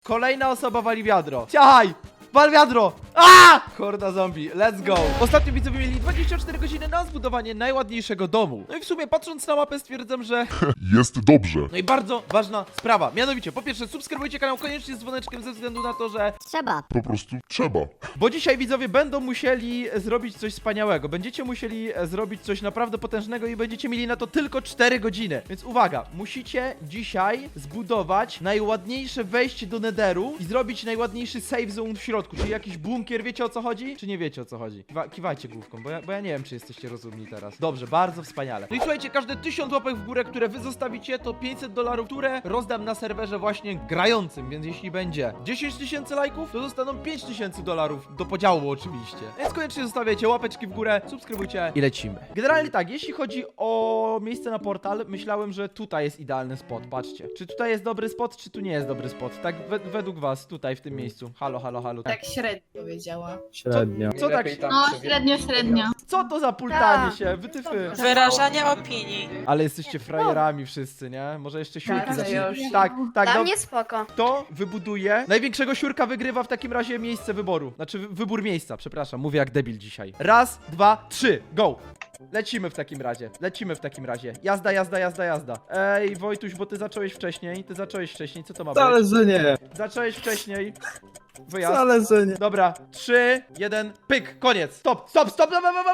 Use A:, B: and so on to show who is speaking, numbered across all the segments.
A: Kolejna osoba wali wiadro. Ciachaj! Wal wiadro! A! Horda zombie, let's go! Ostatnio widzowie mieli 24 godziny na zbudowanie najładniejszego domu. No i w sumie patrząc na mapę stwierdzam, że...
B: Jest dobrze.
A: No i bardzo ważna sprawa. Mianowicie, po pierwsze subskrybujcie kanał koniecznie z dzwoneczkiem ze względu na to, że...
C: Trzeba.
B: Po prostu trzeba.
A: Bo dzisiaj widzowie będą musieli zrobić coś wspaniałego. Będziecie musieli zrobić coś naprawdę potężnego i będziecie mieli na to tylko 4 godziny. Więc uwaga, musicie dzisiaj zbudować najładniejsze wejście do Netheru i zrobić najładniejszy save zone w środku. Czyli jakiś bunkier, wiecie o co chodzi? Czy nie wiecie o co chodzi? Kiwajcie główką, bo ja nie wiem, czy jesteście rozumni teraz. Dobrze, bardzo wspaniale. No i słuchajcie, każde 1000 łapek w górę, które wy zostawicie, to $500, które rozdam na serwerze właśnie grającym. Więc jeśli będzie 10 000 lajków, to zostaną $5000 do podziału oczywiście. Więc koniecznie zostawiajcie łapeczki w górę, subskrybujcie i lecimy. Generalnie tak, jeśli chodzi o miejsce na portal, myślałem, że tutaj jest idealny spot. Patrzcie. Czy tutaj jest dobry spot, czy tu nie jest dobry spot? Tak według was, tutaj w tym miejscu. Halo, halo, halo.
D: Tak średnio powiedziała.
E: Średnio.
A: Co tak?
D: No, średnio.
A: Co to za pultanie się? Wytyfy.
F: Wyrażanie opinii.
A: Ale jesteście frajerami wszyscy, nie? Może jeszcze siurki
D: Tak,
A: zacznijcie.
D: już.
A: Tak, tak.
C: Dla
A: No,
C: mnie spoko.
A: kto wybuduje największego siurka wygrywa w takim razie miejsce wyboru. Znaczy wybór miejsca, przepraszam, mówię jak debil dzisiaj. Raz, dwa, trzy, go! Lecimy w takim razie, lecimy w takim razie. Jazda, jazda, jazda, jazda. Ej, Wojtuś, bo ty zacząłeś wcześniej, co to ma być?
E: Wcale, że nie.
A: Zacząłeś wcześniej. Wyjazd.
E: Wcale, że nie.
A: Dobra, 3, 1, pyk, koniec. Stop, stop, stop.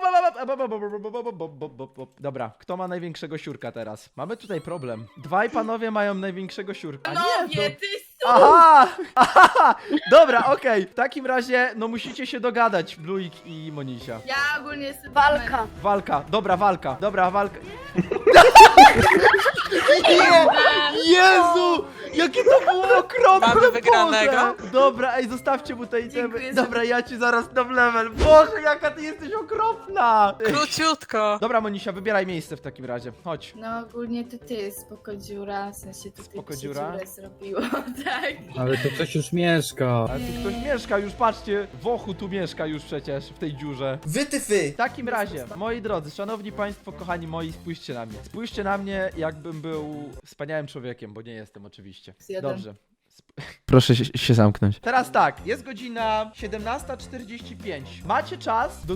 A: Dobra, kto ma największego siurka teraz? Mamy tutaj problem. Dwaj panowie mają największego siurka.
D: No
A: Nie,
D: nie,
A: to...
D: ty
A: Aha! Aha! Dobra, okej. W takim razie, no musicie się dogadać, Bluik i Monisia.
D: Ja ogólnie jestem...
C: Walka.
A: Walka, dobra walka. Nie! Jezu! Jakie to było okropne!
F: Mamy wygranego?
A: Boże! Dobra, ej, zostawcie mu te itemy.
D: Dziękuję
A: Dobra, ja ci zaraz dam level. Boże, jaka ty jesteś okropna!
F: Króciutko.
A: Dobra, Monisia, wybieraj miejsce w takim razie. Chodź.
D: No ogólnie to ty, spoko dziura, w sensie tutaj
A: Spoko
D: się
A: dziura?
D: dziurę zrobiło, tak.
E: Ale to ktoś już mieszka.
A: Ale tu ktoś mieszka już, patrzcie. Wochu tu mieszka już przecież, w tej dziurze.
G: Wytyfy!
A: W takim razie, moi drodzy, szanowni państwo, kochani moi, spójrzcie na mnie. Spójrzcie na mnie, jakbym był wspaniałym człowiekiem, bo nie jestem oczywiście.
D: Jeden.
A: Dobrze. Proszę się zamknąć. Teraz tak, jest godzina 17:45. Macie czas do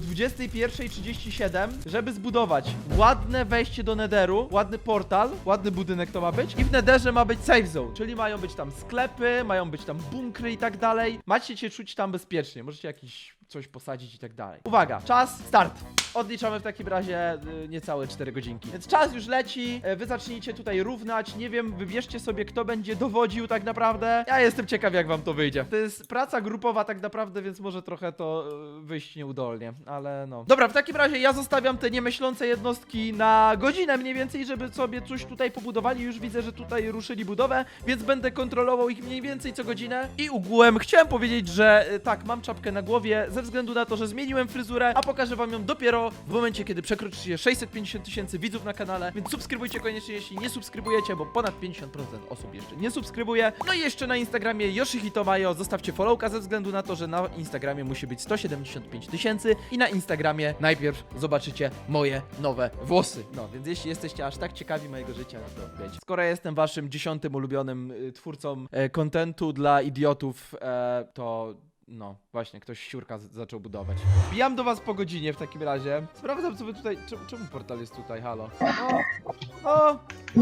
A: 21:37, żeby zbudować ładne wejście do Netheru, ładny portal, ładny budynek to ma być. I w Netherze ma być safe zone, czyli mają być tam sklepy, mają być tam bunkry i tak dalej. Macie się czuć tam bezpiecznie, możecie jakiś coś posadzić i tak dalej. Uwaga, czas, start. Odliczamy w takim razie niecałe 4 godzinki. Więc czas już leci, wy zacznijcie tutaj równać, nie wiem, wybierzcie sobie kto będzie dowodził tak naprawdę. Ja jestem ciekaw jak wam to wyjdzie. To jest praca grupowa tak naprawdę, więc może trochę to wyjść nieudolnie, ale no. Dobra, w takim razie ja zostawiam te niemyślące jednostki na godzinę mniej więcej, żeby sobie coś tutaj pobudowali. Już widzę, że tutaj ruszyli budowę, więc będę kontrolował ich mniej więcej co godzinę. I ogółem chciałem powiedzieć, że tak, mam czapkę na głowie ze względu na to, że zmieniłem fryzurę, a pokażę wam ją dopiero w momencie, kiedy przekroczycie 650 000 widzów na kanale, więc subskrybujcie koniecznie, jeśli nie subskrybujecie, bo ponad 50% osób jeszcze nie subskrybuje. No i jeszcze na Instagramie Yoshihito Mayo zostawcie followka ze względu na to, że na Instagramie musi być 175 000 i na Instagramie najpierw zobaczycie moje nowe włosy. No, więc jeśli jesteście aż tak ciekawi mojego życia, no to wiecie. Skoro ja jestem waszym 10. ulubionym twórcą kontentu dla idiotów, to... No, właśnie, ktoś siurka zaczął budować. Wbijam do was po godzinie w takim razie. Sprawdzam, co wy tutaj... Czemu portal jest tutaj? Halo? O!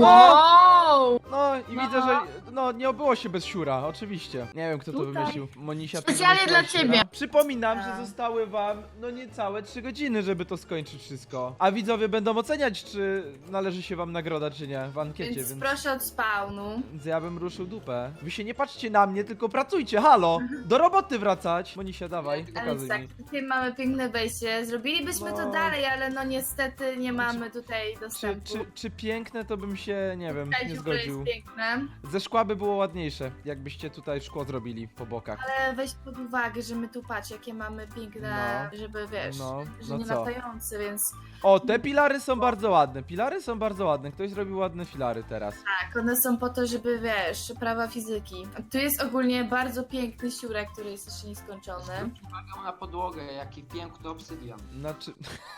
D: Wow!
A: No i widzę, że... No, nie obyło się bez siura, oczywiście. Nie wiem, kto to
D: Tutaj.
A: wymyślił. Monisia to
D: Specjalnie
A: wymyśliła
D: dla
A: siura.
D: ciebie.
A: Przypominam, że
D: Tak.
A: zostały wam, no niecałe 3 godziny, żeby to skończyć wszystko. A widzowie będą oceniać, czy należy się wam nagroda, czy nie, w ankiecie,
D: Więc
A: więc...
D: proszę od spawnu.
A: Więc ja bym ruszył dupę. Wy się nie patrzcie na mnie, tylko pracujcie, halo! Do roboty wracać! Monisia, dawaj,
D: Ale
A: pokazuj
D: tak,
A: mi.
D: tutaj mamy piękne wejście. Zrobilibyśmy
A: No.
D: to dalej, ale no niestety nie mamy tutaj dostępu.
A: Czy piękne to bym się, nie wiem,
D: Tutaj
A: nie
D: dziura jest
A: zgodził.
D: piękne,
A: Ze szkła by było ładniejsze, jakbyście tutaj szkło zrobili po bokach.
D: ale weź pod uwagę, że my tu patrz, jakie mamy piękne, żeby wiesz,
A: No,
D: że
A: no
D: nie
A: co?
D: latające, więc
A: O, te pilary są bardzo ładne, pilary są bardzo ładne. Ktoś zrobił ładne filary teraz.
D: tak, one są po to, żeby wiesz, prawa fizyki. Tu jest ogólnie bardzo piękny siurek, który jest jeszcze nieskończony.
H: Zwróć uwagę na podłogę, jaki piękny obsydian.
A: Znaczy...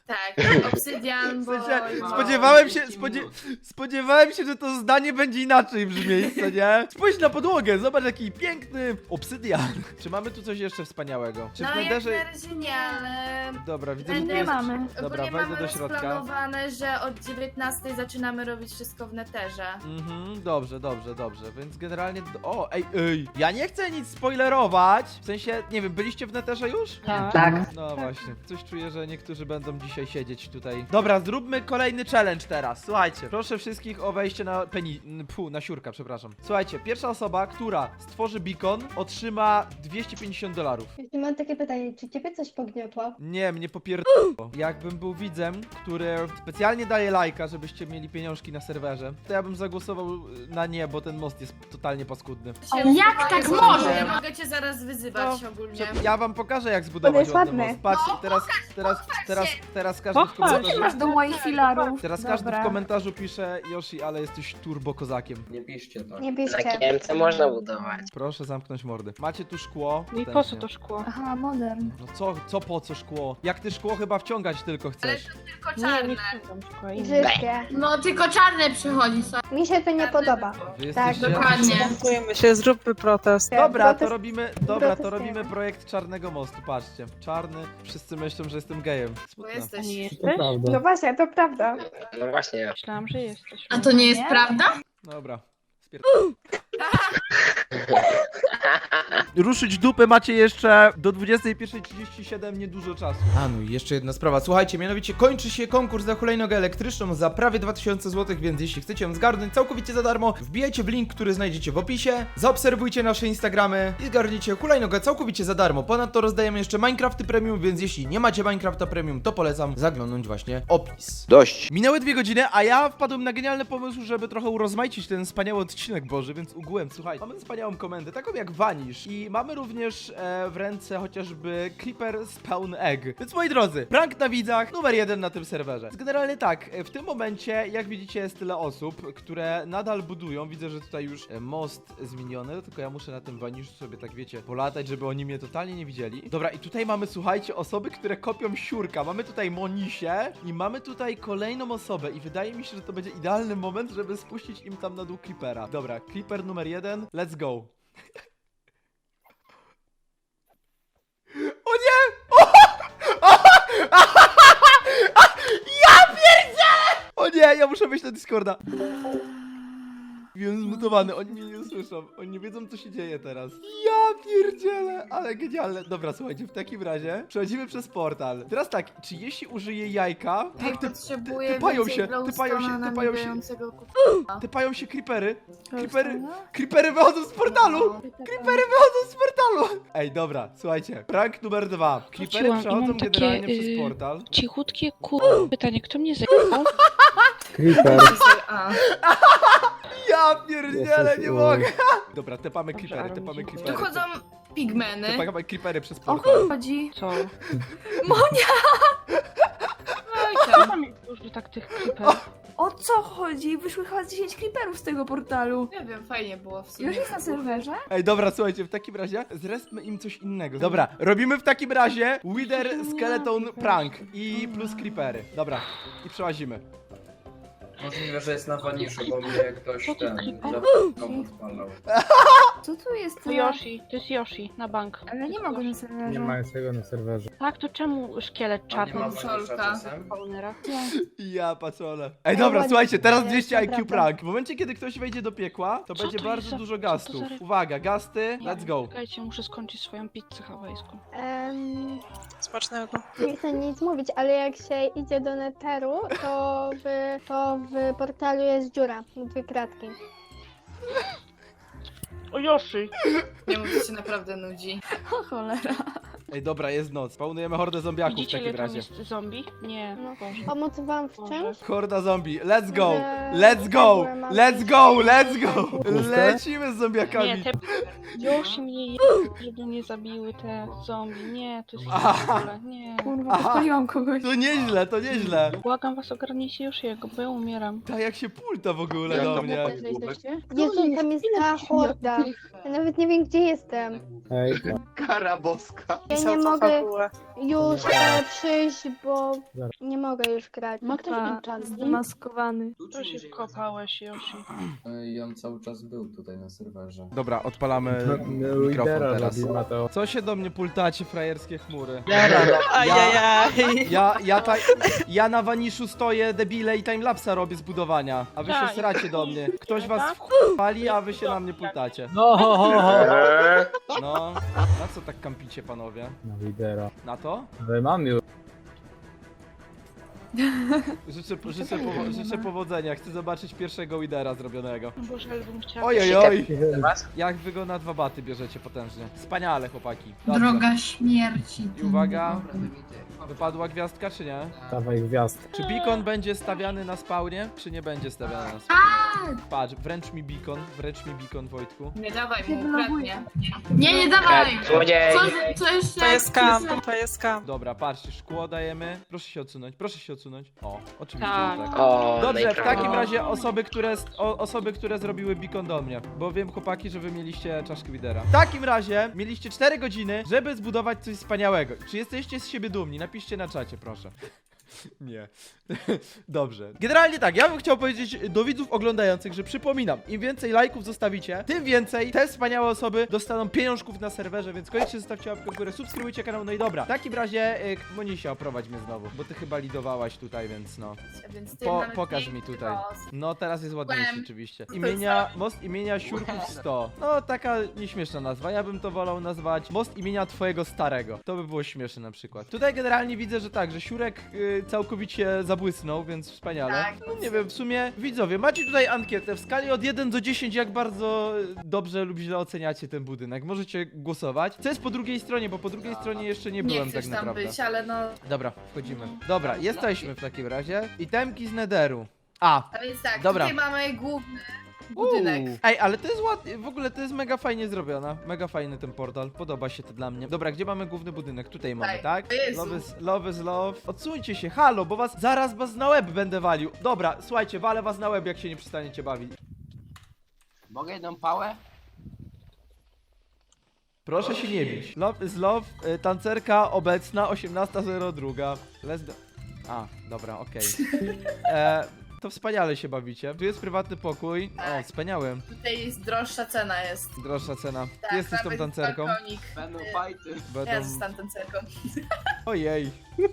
D: Tak, obsydian, bo...
A: Spodziewałem się, że to zdanie będzie inaczej brzmieć, co nie? Spójrz na podłogę, zobacz jaki piękny obsydian. Czy mamy tu coś jeszcze wspaniałego? Czy w
D: No jak
A: Netherze...
D: na razie nie, ale...
A: Dobra, widzę, że tu
D: Nie
A: jest...
C: mamy.
A: Dobra,
D: Ogólnie
A: wejdę
D: mamy
A: do środka.
D: rozplanowane, że od 19 zaczynamy robić wszystko w neterze.
A: Dobrze, więc generalnie... O, ej, ja nie chcę nic spoilerować, w sensie, nie wiem, byliście w Netherze już?
C: Tak.
A: No właśnie, coś czuję, że niektórzy będą dzisiaj siedzieć tutaj. Dobra, zróbmy kolejny challenge teraz, słuchajcie. Proszę wszystkich o wejście na na siurka, przepraszam. Słuchajcie, pierwsza osoba, która stworzy beacon, otrzyma $250.
G: Jeśli mam takie pytanie, czy ciebie coś pogniotło?
A: Nie, mnie popierdolło. Jakbym był widzem, który specjalnie daje lajka, żebyście mieli pieniążki na serwerze, to ja bym zagłosował na nie, bo ten most jest totalnie paskudny.
C: Jak tak może?
D: Nie mogę cię zaraz wyzywać ogólnie.
A: Ja wam pokażę, jak
G: On
A: zbudować
G: jest
A: ładny
G: ładny.
A: most. Patrzcie, teraz każdy w komentarzu...
C: Masz do moich filarów.
A: Teraz każdy w komentarzu pisze: Yoshi, ale jesteś turbo kozakiem.
E: Nie piszcie tak.
G: Nie
H: Na
G: bierzcie.
H: Kiemce można budować.
A: Proszę zamknąć mordy. Macie tu szkło.
C: I po co
A: Wstępnie.
C: to szkło?
G: Aha, modern.
A: No co po co szkło? Jak ty szkło chyba wciągać tylko chcesz.
D: Tylko
C: Nie,
D: czarne.
C: nie wciągam szkła.
G: Brzydkie.
D: No tylko czarne przychodzi sobie.
G: Mi się to nie podoba.
A: Wy
G: Tak,
A: jesteście...
D: Dokładnie.
F: Dziękujemy się, zróbmy protest.
A: Dobra, to
G: Protest-
A: robimy,
G: protestujemy.
A: projekt czarnego mostu, patrzcie. Czarny, wszyscy myślą, że jestem gejem.
D: Bo
A: Smutne.
D: jesteś.
C: Nie
E: To
C: jesteś?
E: prawda.
G: No właśnie, to prawda.
H: No właśnie.
C: Myślałam, że jesteś.
D: A to nie jest prawda?
A: Dobra. Ruszyć dupę macie jeszcze do 21:37 niedużo czasu. A no i jeszcze jedna sprawa. Słuchajcie, mianowicie kończy się konkurs na hulajnogę elektryczną za prawie 2000 zł, więc jeśli chcecie ją zgarnąć całkowicie za darmo, wbijajcie w link, który znajdziecie w opisie, zaobserwujcie nasze Instagramy i zgarnijcie hulajnogę całkowicie za darmo. Ponadto rozdajemy jeszcze Minecrafty Premium, więc jeśli nie macie Minecrafta Premium, to polecam zaglądnąć właśnie opis.
B: Dość.
A: Minęły 2 godziny, a ja wpadłem na genialny pomysł, żeby trochę urozmaicić ten wspaniały odcinek Boży, więc ugółem, słuchaj, mamy wspaniałą komendę, taką jak Vanish i mamy również w ręce chociażby Creeper Spawn Egg. Więc moi drodzy, prank na widzach numer 1 na tym serwerze. Więc generalnie tak, w tym momencie, jak widzicie, jest tyle osób, które nadal budują. Widzę, że tutaj już most zmieniony, tylko ja muszę na tym Vanishu sobie, tak wiecie, polatać, żeby oni mnie totalnie nie widzieli. Dobra, i tutaj mamy, słuchajcie, osoby, które kopią siurka. Mamy tutaj Monisię i mamy tutaj kolejną osobę i wydaje mi się, że to będzie idealny moment, żeby spuścić im tam na dół Creepera. Dobra, Creeper numer 1, let's go. O nie! Ja pierdzielę! O nie, ja muszę wejść na Discorda. Wiem, zmutowany, oni mnie nie usłyszą. Oni nie wiedzą, co się dzieje teraz. Ja pierdzielę, ale genialne. Dobra, słuchajcie, w takim razie przechodzimy przez portal. Teraz tak, czy jeśli użyję jajka...
D: Ja
A: Tak,
D: potrzebuję
A: typają
D: więcej
A: się,
D: glowstone'a nabijającego kupa.
A: typają się creepery. Creepery wychodzą z portalu! Creepery wychodzą z portalu! Ej, dobra, słuchajcie. Prank numer 2. Creepery
I: Wróciłam i
A: przechodzą
I: mam takie,
A: generalnie przez portal.
I: Cichutkie pytanie, kto mnie zajmował?
E: Creeper.
D: A,
A: Ja pierdzielę,
E: Jezus,
A: nie
E: oj.
A: mogę! Dobra, tepamy
I: Dobrze,
A: creepery,
I: ale
A: tepamy
I: mi się
D: tu
A: creepery.
D: chodzą pigmeny.
A: Tepamy creepery przez
C: O
A: portal.
C: chuj chodzi.
I: Co?
C: Co
I: Tam dużo tak tych creeperów.
C: O co chodzi? Wyszły chyba 10 creeperów z tego portalu.
D: Nie wiem, fajnie było w sumie.
C: Już jest na serwerze?
A: Ej, dobra, słuchajcie, w takim razie zresztmy im coś innego. Dobra, robimy w takim razie Wither Skeleton Prank i plus creepery. Dobra, i przełazimy.
E: Możliwe, że jest na Vanishu, bo mnie ktoś
I: Co to
E: ten
I: creeper?
E: odpalał.
C: Co tu jest?
I: To Yoshi, to jest Yoshi, na bank.
C: Ale nie mogę na serwerze.
E: jest tego na serwerze.
I: Tak, to czemu szkielet czarny w
D: Vanisha czasem?
I: spawnera?
A: Ja patrzole. Ej, dobra, słuchajcie, teraz 200 IQ
G: Naprawdę.
A: prank. W momencie, kiedy ktoś wejdzie do piekła, to
I: Co
A: będzie
I: to
A: bardzo
I: jest za-
A: dużo
I: co to
A: gastów.
I: za-
A: Uwaga, gasty, let's go.
I: Czekajcie, muszę skończyć swoją pizzę hawajską.
F: Smacznego.
G: Nie chcę nic mówić, ale jak się idzie do neteru, to w portalu jest dziura, 2 kratki.
I: O Yoshi!
D: Nie mów, to się naprawdę nudzi.
C: O cholera.
A: Ej, dobra, jest noc. Spawnujemy hordę zombiaków w
I: Widzicie, ile
A: takim
I: tam
A: razie.
I: jest zombie? Nie,
G: No.
I: Boże.
G: Pomóc wam w czymś?
A: Horda zombie, let's go!
G: Że-
A: Let's go!
G: Mam
A: Let's
G: coś-
A: go! Let's go!
E: Puste?
A: Lecimy z
I: Nie,
A: zombiakami.
I: te... Yoshi mnie je... żeby nie zabiły te zombie. Nie, to jest
A: Aha.
I: w ogóle. Nie.
C: Kurwa,
A: Aha.
C: podpaliłam kogoś.
A: To nieźle, to nieźle.
I: Błagam was, ogarnijcie Yoshiego, bo ja umieram.
A: Tak jak się pulta w ogóle do mnie.
G: Jezu, tam jest ta horda. Ja nawet nie wiem, gdzie jestem.
E: Hej,
J: Kara boska.
G: nie mogę
F: fabułę.
G: już przyjść, bo nie mogę już grać.
I: Ma ktoś enchant zamaskowany.
F: To się kopałeś, Yoshi.
E: I on cały czas był tutaj na serwerze.
A: Dobra, odpalamy mikrofon teraz. Co się do mnie pultacie, frajerskie chmury?
F: Ajajaj.
A: Ja na waniszu stoję, debile, i timelapsa robię z budowania, a wy się
F: Tak.
A: sracie do mnie. Ktoś was pali, a wy się na mnie pultacie. No, na co tak kampicie, panowie?
J: Na lidera.
A: Na to?
J: Ale mam już.
A: Życzę powodzenia, chcę zobaczyć pierwszego widera zrobionego.
F: Boże, ale bym chciała.
A: Ojojoj!
H: Was?
A: Jak wy go na 2 baty bierzecie potężnie. Wspaniale, chłopaki. Dobrze.
D: Droga śmierci.
A: I uwaga, wypadła gwiazdka czy nie?
J: Dawaj gwiazd.
A: Czy beacon będzie stawiany na spawnie, czy nie będzie stawiany na spawnie? Patrz, wręcz mi beacon, Wojtku.
D: Nie dawaj mu, ukradnie. Nie dawaj!
H: Złodziej!
D: Co jeszcze?
F: To jest kam, to jest kam.
A: Dobra, patrzcie, szkło dajemy. Proszę się odsunąć, proszę się odsunąć. O, oczywiście,
F: Tak.
A: że tak.
H: O,
A: Dobrze, w
H: najprawdopodobniej.
A: takim razie osoby, które zrobiły beacon do mnie. Bo wiem, chłopaki, że wy mieliście czaszkę widera. W takim razie mieliście 4 godziny, żeby zbudować coś wspaniałego. Czy jesteście z siebie dumni? Napiszcie na czacie, proszę. Nie. Dobrze. Generalnie tak, ja bym chciał powiedzieć do widzów oglądających, że przypominam, im więcej lajków zostawicie, tym więcej te wspaniałe osoby dostaną pieniążków na serwerze, więc koniecznie zostawcie łapkę w górę, subskrybujcie kanał, no i dobra. W takim razie, Monisia, oprowadź mnie znowu, bo ty chyba lidowałaś tutaj, więc no.
D: Więc ty mamy
A: Pokaż mi
D: piękny
A: tutaj.
D: los.
A: No, teraz jest ładniejszy
D: Byłem.
A: oczywiście.
D: To
A: Most imienia Siurków 100. No, taka nieśmieszna nazwa, ja bym to wolał nazwać most imienia twojego starego. To by było śmieszne na przykład. Tutaj generalnie widzę, że tak, że Siurek całkowicie zabłysnął, więc wspaniale.
D: Tak.
A: No nie wiem, w sumie widzowie, macie tutaj ankietę w skali od 1 do 10, jak bardzo dobrze lub źle oceniacie ten budynek. Możecie głosować. Co jest po drugiej stronie, bo po drugiej stronie jeszcze nie
D: Nie
A: byłem
D: chcesz
A: tak
D: tam
A: naprawdę.
D: być, ale no...
A: Dobra, wchodzimy. Dobra, jesteśmy w takim razie. Itemki z Netheru. A,
D: A więc tak,
A: Dobra.
D: tutaj mamy główny budynek.
A: Ej, ale to jest ładnie, w ogóle to jest mega fajnie zrobione. Mega fajny ten portal, podoba się to dla mnie. Dobra, gdzie mamy główny budynek? Tutaj mamy,
D: Tutaj.
A: tak?
D: O Jezu.
A: Love is love. Odsuńcie się, halo, bo zaraz was na łeb będę walił. Dobra, słuchajcie, walę was na łeb, jak się nie przestaniecie bawić.
H: Mogę jedną pałę?
A: Proszę się nie bić. Love is love, tancerka obecna 18:02. A, dobra, okej. To wspaniale się bawicie. Tu jest prywatny pokój. O,
D: Tak.
A: wspaniały.
D: Tutaj jest droższa cena jest.
A: Droższa cena.
D: Tak,
A: Jesteś tą
D: nawet
A: tancerką.
D: balkonik.
H: Będą fajty.
D: Ja zostanę tancerką.
A: Ojej.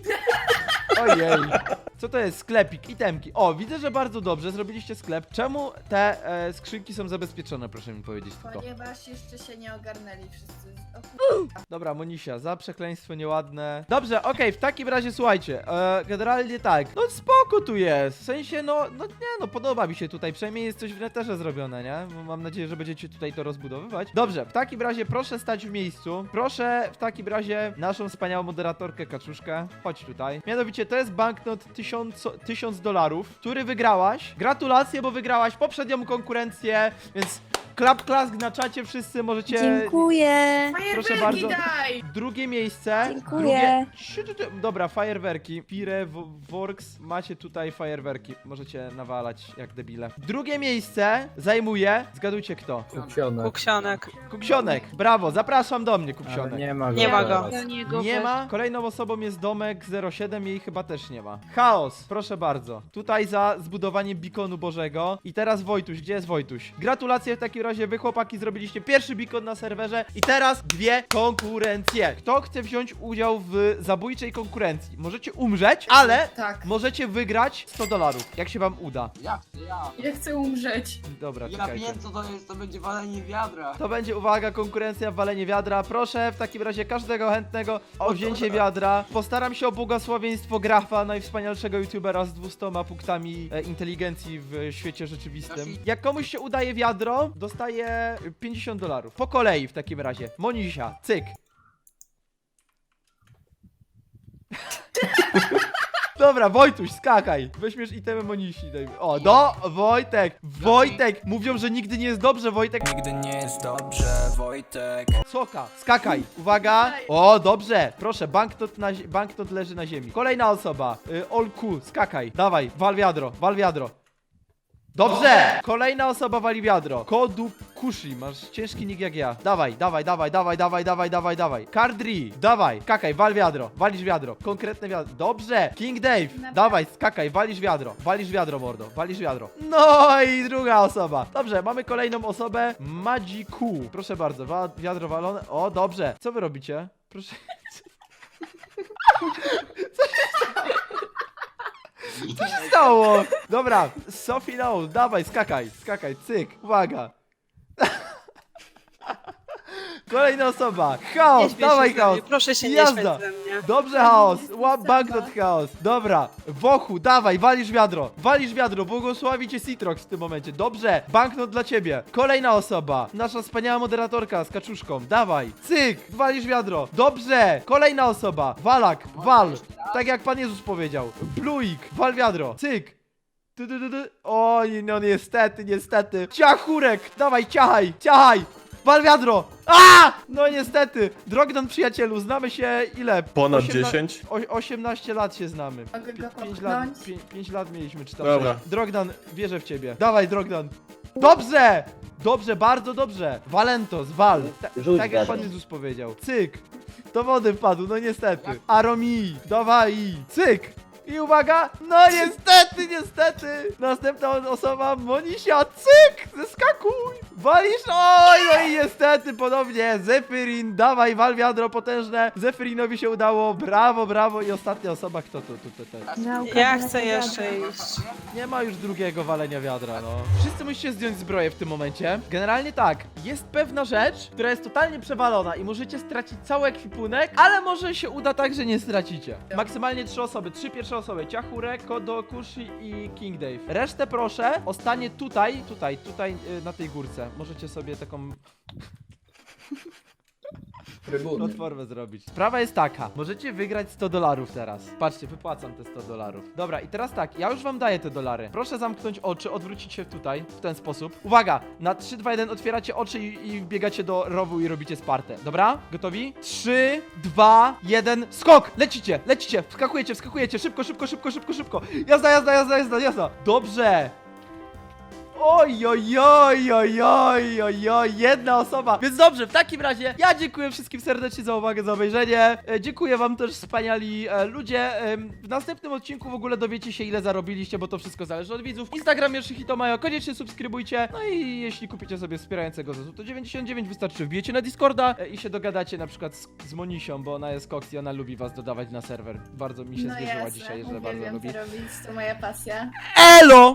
A: Ojej. Co to jest? Sklepik, itemki. O, widzę, że bardzo dobrze zrobiliście sklep. Czemu te skrzynki są zabezpieczone, proszę mi powiedzieć tylko.
D: Ponieważ jeszcze się nie ogarnęli wszyscy.
A: Dobra, Monisia, za przekleństwo nieładne. Dobrze, okej, w takim razie słuchajcie, generalnie tak. No spoko tu jest, w sensie no podoba mi się tutaj, przynajmniej jest coś w neterze zrobione, nie? Mam nadzieję, że będziecie tutaj to rozbudowywać. Dobrze, w takim razie proszę stać w miejscu. Proszę w takim razie naszą wspaniałą moderatorkę Kaczuszkę, chodź tutaj. Mianowicie to jest banknot $1000, który wygrałaś. Gratulacje, bo wygrałaś poprzednią konkurencję, więc klask na czacie, wszyscy możecie...
C: Dziękuję.
A: Proszę
D: Fajerwerki
A: bardzo.
D: daj!
A: Drugie miejsce.
C: Dziękuję.
A: Dobra, fajerwerki. Fireworks. Macie tutaj fajerwerki. Możecie nawalać jak debile. Drugie miejsce zajmuje. Zgadujcie kto?
J: Kupsionek.
F: Kuksionek.
A: Kupsionek. Brawo, zapraszam do mnie,
J: Ale
A: Kupsionek.
J: nie ma go.
F: Nie ma go.
J: teraz.
I: Do niego
A: Nie
I: weź.
A: ma. Kolejną osobą jest Domek 07, jej chyba też nie ma. Chaos, proszę bardzo. Tutaj za zbudowanie beaconu Bożego. I teraz Wojtuś, gdzie jest Wojtuś? Gratulacje w takim razie, wy chłopaki zrobiliście pierwszy beacon na serwerze. I teraz 2 konkurencje. Kto chce wziąć udział w zabójczej konkurencji? Możecie umrzeć, ale
D: Tak.
A: możecie wygrać $100, jak się wam uda.
H: Ja.
D: Ja chcę umrzeć.
A: Dobra,
H: Ja
A: czekajcie.
H: wiem co to jest, to będzie walenie wiadra.
A: To będzie, uwaga, konkurencja w walenie wiadra. Proszę w takim razie każdego chętnego o wzięcie wiadra. Postaram się o błogosławieństwo Grafa, najwspanialszego youtubera z 200 punktami inteligencji w świecie rzeczywistym. Jak komuś się udaje wiadro, dostaje $50. Po kolei w takim razie. Monisia, cyk. Dobra, Wojtuś, skakaj. Weźmiesz itemy Monisi. Dajmy. O, Wojtek. Wojtek. Mówią, że nigdy nie jest dobrze, Wojtek.
K: Nigdy nie jest dobrze, Wojtek.
A: Soka, skakaj. Uwaga. O, dobrze. Proszę, banknot leży na ziemi. Kolejna osoba. Olku, skakaj. Dawaj, wal wiadro, wal wiadro. Dobrze! Kolejna osoba wali wiadro. Kodu Kushi, masz ciężki nick jak ja. Dawaj. Kardri, dawaj, skakaj, wal wiadro. Walisz wiadro. Konkretne wiadro. Dobrze! King Dave, dawaj, skakaj, walisz wiadro. Walisz wiadro, mordo. Walisz wiadro. No i druga osoba. Dobrze, mamy kolejną osobę. Magiku. Proszę bardzo, wiadro walone. O, dobrze. Co wy robicie? Proszę. Co się stało? Dobra, Sophie no, dawaj, skakaj, cyk, uwaga. Kolejna osoba, Chaos, dawaj Chaos.
F: Proszę się nie
A: Jazda.
F: śmiać ze mnie.
A: Dobrze, Chaos, banknot Chaos. Dobra, Wochu, dawaj, walisz wiadro, błogosławi cię Citrox w tym momencie. Dobrze, banknot dla ciebie. Kolejna osoba, nasza wspaniała moderatorka z kaczuszką, dawaj, cyk, walisz wiadro. Dobrze, kolejna osoba, Walak, wal, tak jak Pan Jezus powiedział. Bluik, wal wiadro, cyk. Oj, no niestety. Ciachurek, dawaj, ciachaj. Wal wiadro! A! No niestety! Drogdan, przyjacielu, znamy się ile?
L: Ponad 10?
A: 18 lat się znamy.
D: Mogę go
A: 5 lat,
D: popchnąć?
A: 5 lat mieliśmy, czy tam
L: Dobra.
A: 6. Drogdan, wierzę w ciebie. Dawaj, Drogdan. Dobrze! Dobrze, bardzo dobrze. Walentos, wal. Tak jak Pan Jezus powiedział. Cyk. Do wody wpadł, no niestety. Aromi, dawaj. Cyk. I uwaga, no niestety. Następna osoba, Monisia, cyk, zeskakuj. Walisz, oj, no i niestety ponownie, Zephyrin, dawaj, wal wiadro potężne. Zephyrinowi się udało, brawo. I ostatnia osoba, kto to?
F: Ja chcę jeszcze iść.
A: Nie ma już drugiego walenia wiadra, no. Wszyscy musicie zdjąć zbroję w tym momencie. Generalnie tak, jest pewna rzecz, która jest totalnie przewalona i możecie stracić cały ekwipunek, ale może się uda tak, że nie stracicie. Maksymalnie 3 osoby, 3 pierwsze osoby, Ciachurek, Kodo, Kushi i King Dave. Resztę proszę, ostanie tutaj, na tej górce. Możecie sobie taką platformę zrobić. Sprawa jest taka, możecie wygrać $100 teraz. Patrzcie, wypłacam te $100. Dobra, i teraz tak, ja już wam daję te dolary. Proszę zamknąć oczy, odwrócić się tutaj, w ten sposób. Uwaga, na 3, 2, 1 otwieracie oczy i biegacie do rowu i robicie Spartę. Dobra? Gotowi? 3, 2, 1, skok! Lecicie! Wskakujecie, szybko. Jazda. Dobrze! Oj, jedna osoba. Więc dobrze, w takim razie ja dziękuję wszystkim serdecznie za uwagę, za obejrzenie. Dziękuję wam też, wspaniali ludzie. W następnym odcinku w ogóle dowiecie się, ile zarobiliście, bo to wszystko zależy od widzów. Instagram Yoshihito Mayo, koniecznie subskrybujcie. No i jeśli kupicie sobie wspierającego za to 99, wystarczy wbijecie na Discorda i się dogadacie na przykład z Monisią, bo ona jest koks i ona lubi was dodawać na serwer. Bardzo mi się zwierzyła dzisiaj, że bardzo
D: uwielbiam
A: lubi.
D: to robić, to moja pasja.
A: Elo!